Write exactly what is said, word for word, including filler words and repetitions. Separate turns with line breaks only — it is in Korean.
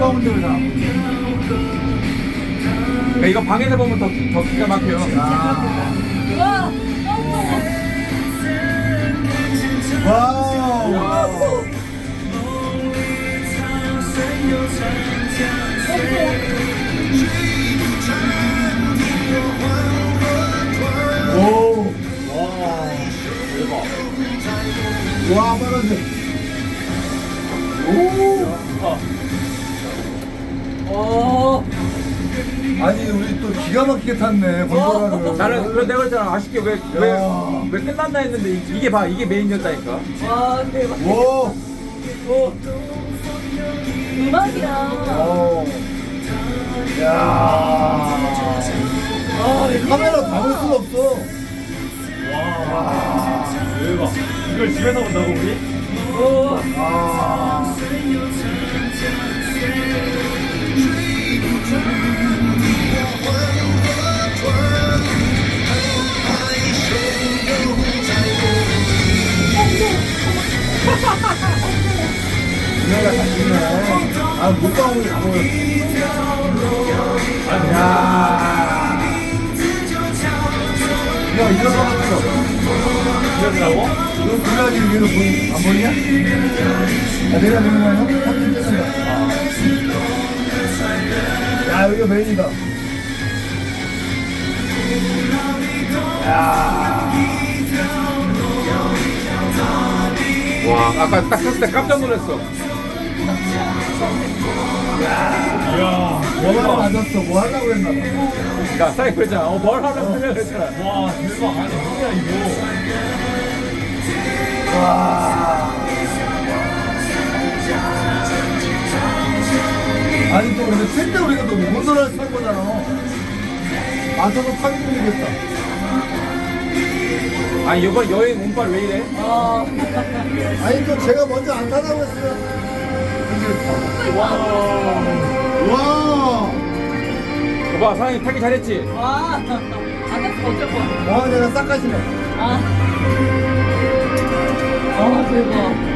나오는데 왜 나?
그러니까 이거 방에서 보면 더, 더 기가 막혀요.
와.
와우. 오.
와, 대박.
와, 빨간색. 오.
오.
아니, 우리 또 기가 막히게 탔네, gondol라를.
나는 그래 내가 그랬잖아. 아쉽게 왜 왜 왜
야.
끝났나 했는데 이- 이게 봐 이게 메인이었다니까.
와 대박.
오.
오. 음악이야.
오. 야.
아,
카메라 담을 수가 없어.
와, 대박. 이걸 집에서 본다고 우리?
오.
아. 누나가 잘 찍네. 아, 물방울이 다 보여. 야. 야, 이런 거 같았어.
이러더라고?
너 불나기 위해서 보이, 안 보이냐? 아, 내가 내는 거야, 형? 사진 찍는다. 야, 여기가 메인이다. 야.
와, 아까 딱 탔을 때 깜짝 놀랐어.
이야. 뭐가 맞았어. 뭐 하려고 그랬나 봐.
그러니까 사장님 그랬잖아. 어, 뭘 하려고 하려고 그랬잖아.
와 대박. 아니 뭐야 이거.
와. 아니, 또 근데 칠때 우리가 또 곤돌라를 탈 거잖아. 맞아서 타기 힘들겠다.
아니 이번 여행 운빨 왜 이래?
아.
아니, 또 제가 먼저 안 타다고 했어요.
와,
와.
봐 사장님 타기 잘했지?
와. 안 됐어 어쩔 뻔.
와, 내가 싹 가시네.
아. 아 대박.